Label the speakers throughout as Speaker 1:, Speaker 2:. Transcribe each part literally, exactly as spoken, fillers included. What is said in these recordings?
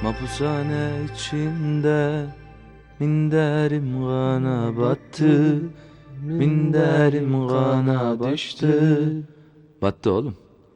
Speaker 1: Mapushane içinde minderim kana battı, minderim kana düştü. Battı oğlum.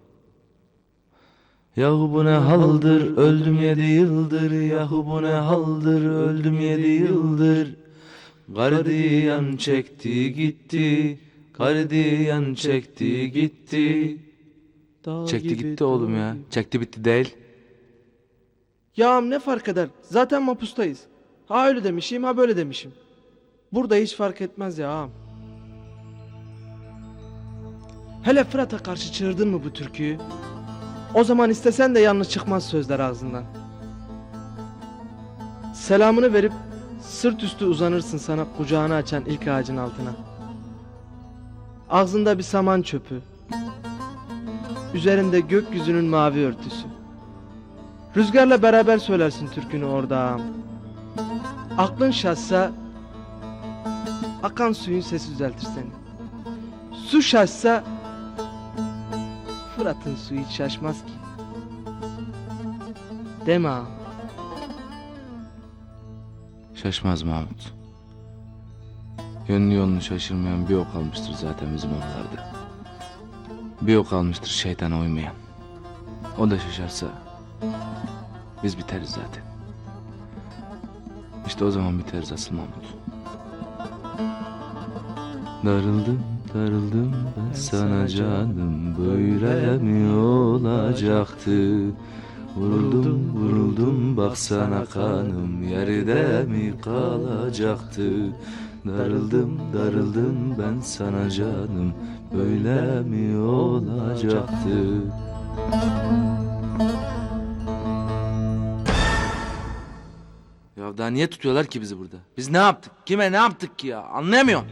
Speaker 1: Yahu bu ne haldır, öldüm yedi yıldır. Yahu bu ne haldır, öldüm yedi yıldır. Gardiyan çekti gitti, gardiyan çekti gitti. Çekti gitti oğlum ya, çekti bitti değil.
Speaker 2: Ya am ne fark eder? Zaten mapustayız. Ha öyle demişim ha böyle demişim. Burada hiç fark etmez ya ağam. Hele Fırat'a karşı çığırdın mı bu türküyü? O zaman istesen de yanlış çıkmaz sözler ağzından. Selamını verip sırt üstü uzanırsın sana kucağını açan ilk ağacın altına. Ağzında bir saman çöpü. Üzerinde gökyüzünün mavi örtüsü. Rüzgarla beraber söylersin türkünü orada ağam. Aklın şaşsa akan suyun sesi düzeltir seni. Su şaşsa Fırat'ın suyu hiç şaşmaz ki. Deme ağam.
Speaker 1: Şaşmaz Mahmut. Yönünü yolunu şaşırmayan bir ok almıştır zaten bizim oralarda. Bir ok almıştır şeytana uymayan. O da şaşarsa biz biteriz zaten. İşte o zaman biteriz asıl Mahmut. Darıldım, darıldım ben sana canım. Böyle mi olacaktı? Vuruldum, vuruldum baksana kanım. Yerde mi kalacaktı? Darıldım, darıldım ben sana canım. Böyle mi olacaktı? Ya daha niye tutuyorlar ki bizi burada? Biz ne yaptık? Kime ne yaptık ki ya? Anlayamıyorum.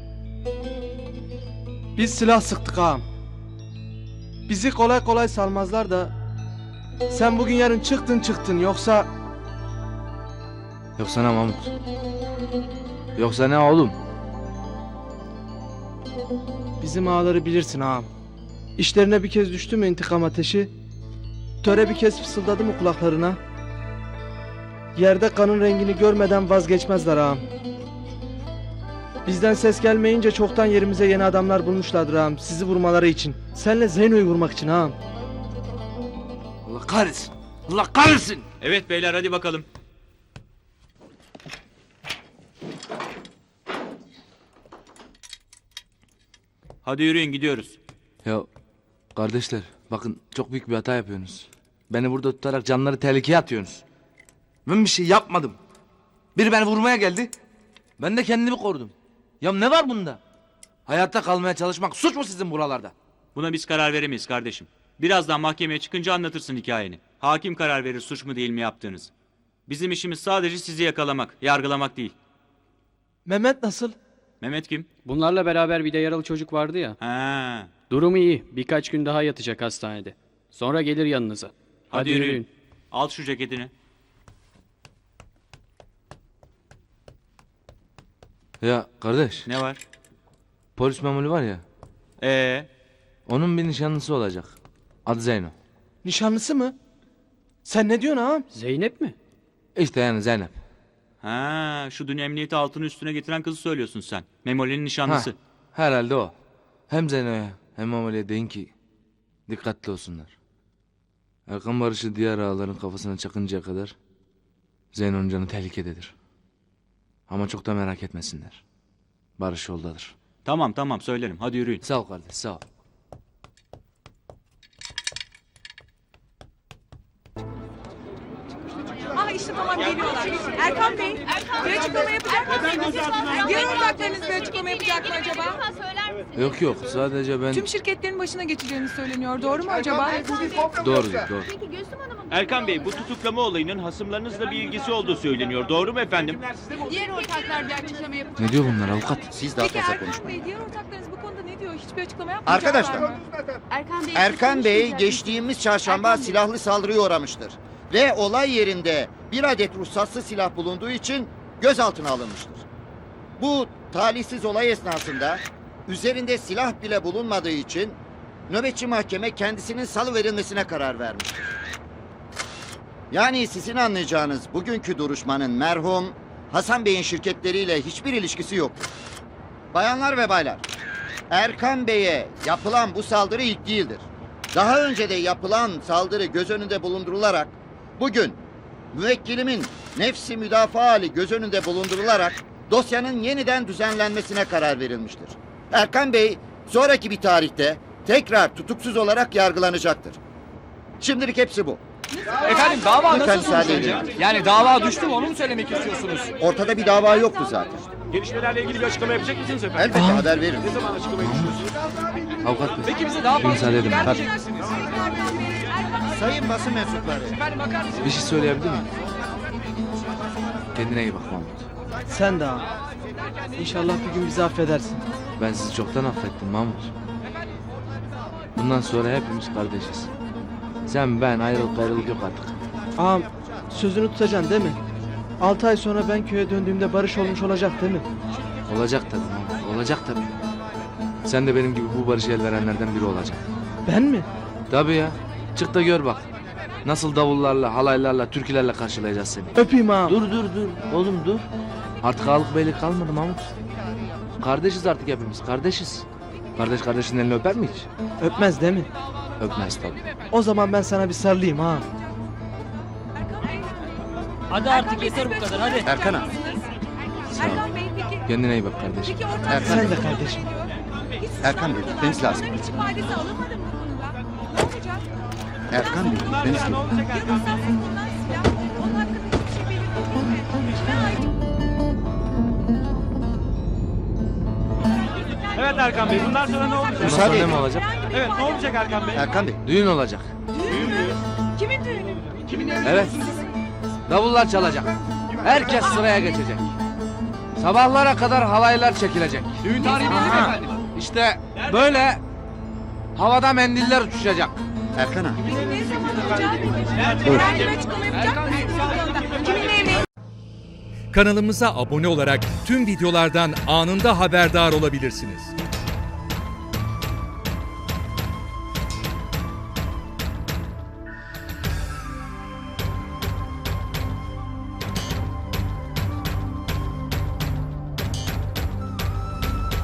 Speaker 2: Biz silah sıktık ağam. Bizi kolay kolay salmazlar da sen bugün yarın çıktın çıktın yoksa
Speaker 1: Yoksa ne Mahmut? Yoksa ne oğlum?
Speaker 2: bizim ağaları bilirsin ağam. İşlerine bir kez düştü mü intikam ateşi, töre bir kez fısıldadı mı kulaklarına, yerde kanın rengini görmeden vazgeçmezler ağam. Bizden ses gelmeyince çoktan yerimize yeni adamlar bulmuşlardır ağam, sizi vurmaları için. Senle Zeyno'yu vurmak için ağam.
Speaker 1: Allah kahretsin. Allah kahretsin.
Speaker 3: Evet beyler hadi bakalım. Hadi yürüyün gidiyoruz.
Speaker 1: Ya kardeşler bakın çok büyük bir hata yapıyorsunuz. Beni burada tutarak canları tehlikeye atıyorsunuz. Ben bir şey yapmadım. Biri beni vurmaya geldi. Ben de kendimi korudum. Ya ne var bunda? Hayatta kalmaya çalışmak suç mu sizin buralarda?
Speaker 3: Buna biz karar veremeyiz kardeşim. Birazdan mahkemeye çıkınca anlatırsın hikayeni. Hakim karar verir suç mu değil mi yaptığınız. Bizim işimiz sadece sizi yakalamak, yargılamak değil.
Speaker 2: Mehmet nasıl?
Speaker 3: Mehmet kim?
Speaker 4: Bunlarla beraber bir de yaralı çocuk vardı ya.
Speaker 3: Ha.
Speaker 4: Durumu iyi. Birkaç gün daha yatacak hastanede. Sonra gelir yanınıza. Hadi,
Speaker 3: Hadi
Speaker 4: yürüyün.
Speaker 3: yürüyün. Al şu ceketini.
Speaker 1: Ya kardeş
Speaker 3: Ne var?
Speaker 1: polis memuru var ya.
Speaker 3: Ee,
Speaker 1: Onun bir nişanlısı olacak. Adı Zeyno.
Speaker 2: Nişanlısı mı? Sen ne diyorsun ağam?
Speaker 4: Zeynep mi?
Speaker 1: İşte yani Zeynep.
Speaker 3: ha, şu dün emniyeti altını üstüne getiren kızı söylüyorsun sen. Memoli'nin nişanlısı.
Speaker 1: Ha, herhalde o. Hem Zeyno'ya hem Amali'ye deyin ki dikkatli olsunlar. Erkan Barış'ı diğer ağaların kafasına çakıncaya kadar Zeyno'nun canı tehlikededir. Ama çok da merak etmesinler. Barış yoldadır.
Speaker 3: Tamam tamam söylerim. Hadi yürüyün.
Speaker 1: Sağ ol kardeş, sağ ol.
Speaker 5: Ah işte tamam geliyorlar. Erkan Bey, bir açıklama yapacak mısınız? Diğer ortaklarınız bir açıklama yapacak mı acaba?
Speaker 1: Yok yok, sadece ben...
Speaker 5: Tüm şirketlerin başına geçeceğini söyleniyor. Doğru mu acaba?
Speaker 1: Doğru, doğru.
Speaker 6: Erkan Bey, bu tutuklama olayının hasımlarınızla bir ilgisi olduğu söyleniyor. Doğru mu efendim?
Speaker 5: Diğer ortaklar bir açıklama yapacak.
Speaker 1: Ne diyor bunlar avukat?
Speaker 7: Siz daha
Speaker 5: Peki
Speaker 7: fazla
Speaker 5: Erkan
Speaker 7: konuşmayın.
Speaker 5: Bey, diğer ortaklarınız bu konuda ne diyor? Hiçbir açıklama yapmayacaklar
Speaker 7: Arkadaşlar,
Speaker 5: mı?
Speaker 8: Erkan Bey,
Speaker 7: Erkan Bey geçtiğimiz çarşamba
Speaker 8: Erkan Bey.
Speaker 7: silahlı saldırıya uğramıştır. Ve olay yerinde bir adet ruhsatsız silah bulunduğu için gözaltına alınmıştır. Bu talihsiz olay esnasında üzerinde silah bile bulunmadığı için nöbetçi mahkeme kendisinin salıverilmesine karar vermiştir. Yani sizin anlayacağınız bugünkü duruşmanın merhum Hasan Bey'in şirketleriyle hiçbir ilişkisi yoktur. Bayanlar ve baylar, Erkan Bey'e yapılan bu saldırı ilk değildir. Daha önce de yapılan saldırı göz önünde bulundurularak bugün müvekkilimin nefsi müdafaa hali göz önünde bulundurularak dosyanın yeniden düzenlenmesine karar verilmiştir. Erkan Bey sonraki bir tarihte tekrar tutuksuz olarak yargılanacaktır. Şimdilik hepsi bu.
Speaker 8: Efendim dava
Speaker 7: Lütfen
Speaker 8: nasıl
Speaker 7: müsaade
Speaker 8: sonuçlanacak?
Speaker 7: edin.
Speaker 8: Yani dava düştü mü onu mu söylemek istiyorsunuz?
Speaker 7: Ortada bir dava yoktu zaten.
Speaker 6: Gelişmelerle ilgili bir açıklama yapacak mısınız efendim?
Speaker 7: Elbette haber veririm.
Speaker 6: Ne zaman açıklamayı düşünüyorsunuz?
Speaker 1: Avukat bey.
Speaker 8: Peki bize daha fazla
Speaker 1: Müsaade edin,
Speaker 8: bilgi
Speaker 1: tabii.
Speaker 8: vermeyecek misiniz?
Speaker 7: Sayın basın mensupları.
Speaker 8: Efendim bakar mısınız?
Speaker 1: Bir şey söyleyebilir miyim? Kendine iyi bak Mahmut.
Speaker 2: Sen de ağam. İnşallah bir gün bizi affedersin.
Speaker 1: Ben sizi çoktan affettim Mahmut. Bundan sonra hepimiz kardeşiz. Sen ben ayrılık gayrılık yok artık.
Speaker 2: Ağam sözünü tutacaksın değil mi? Altı ay sonra ben köye döndüğümde barış olmuş olacak değil mi?
Speaker 1: Olacak tabii Mahmut. Olacak tabii. Sen de benim gibi bu barışa el verenlerden biri olacaksın.
Speaker 2: Ben mi?
Speaker 1: Tabii ya. Çık da gör bak. Nasıl davullarla, halaylarla, türkülerle karşılayacağız seni.
Speaker 2: Öpeyim ağam.
Speaker 1: Dur dur dur. Oğlum dur. Artık ağalık beylik kalmadı Mahmut. Kardeşiz artık hepimiz. Kardeşiz. Kardeş kardeşin elini öper mi hiç?
Speaker 2: Öpmez değil mi?
Speaker 1: Öpmez tabii.
Speaker 2: O zaman ben sana bir sarılayım ağam.
Speaker 5: Hadi artık yeter bu kadar hadi.
Speaker 7: Erkan abi.
Speaker 5: Erkan Bey peki,
Speaker 1: Kendine iyi bak kardeşim.
Speaker 5: peki ortak
Speaker 7: Erkan
Speaker 2: Sen de kardeşim.
Speaker 5: Hiç
Speaker 7: Erkan Bey,
Speaker 5: suçlanmadılar.
Speaker 7: gitmeniz lazım.
Speaker 5: Onların hiç ifadesi alınmadı mı bu konuda? Ne olacak?
Speaker 7: Erkan Bey,
Speaker 5: Bundan
Speaker 7: ben
Speaker 5: sonra
Speaker 7: istiyorum.
Speaker 5: Ya ruhsatsız bulunan silah, onun hakkında hiçbir şey belirtildi mi? Kime ait?
Speaker 6: Evet Erkan Bey, bundan sonra ne olacak?
Speaker 1: Bundan
Speaker 7: Müsaade
Speaker 1: sonra ne
Speaker 7: edin.
Speaker 1: mi olacak?
Speaker 5: Herhangi bir
Speaker 6: Evet, ne
Speaker 5: ifade
Speaker 6: olacak
Speaker 5: yok.
Speaker 6: Erkan Bey?
Speaker 7: Erkan Bey,
Speaker 1: Düğün olacak.
Speaker 5: Düğün mü? Kimin düğünü?
Speaker 1: Evet. Davullar çalacak. Herkes sıraya geçecek. Sabahlara kadar halaylar çekilecek.
Speaker 8: Düğün tarihi belli mi efendim?
Speaker 1: İşte böyle havada mendiller uçuşacak.
Speaker 7: Erkan abi.
Speaker 5: Peki ne zaman olacağı belli. Herhangi bir açıklama yapacak mısınız bu konuda? Kiminle evleneceğiniz?
Speaker 9: Kanalımıza abone olarak tüm videolardan anında haberdar olabilirsiniz.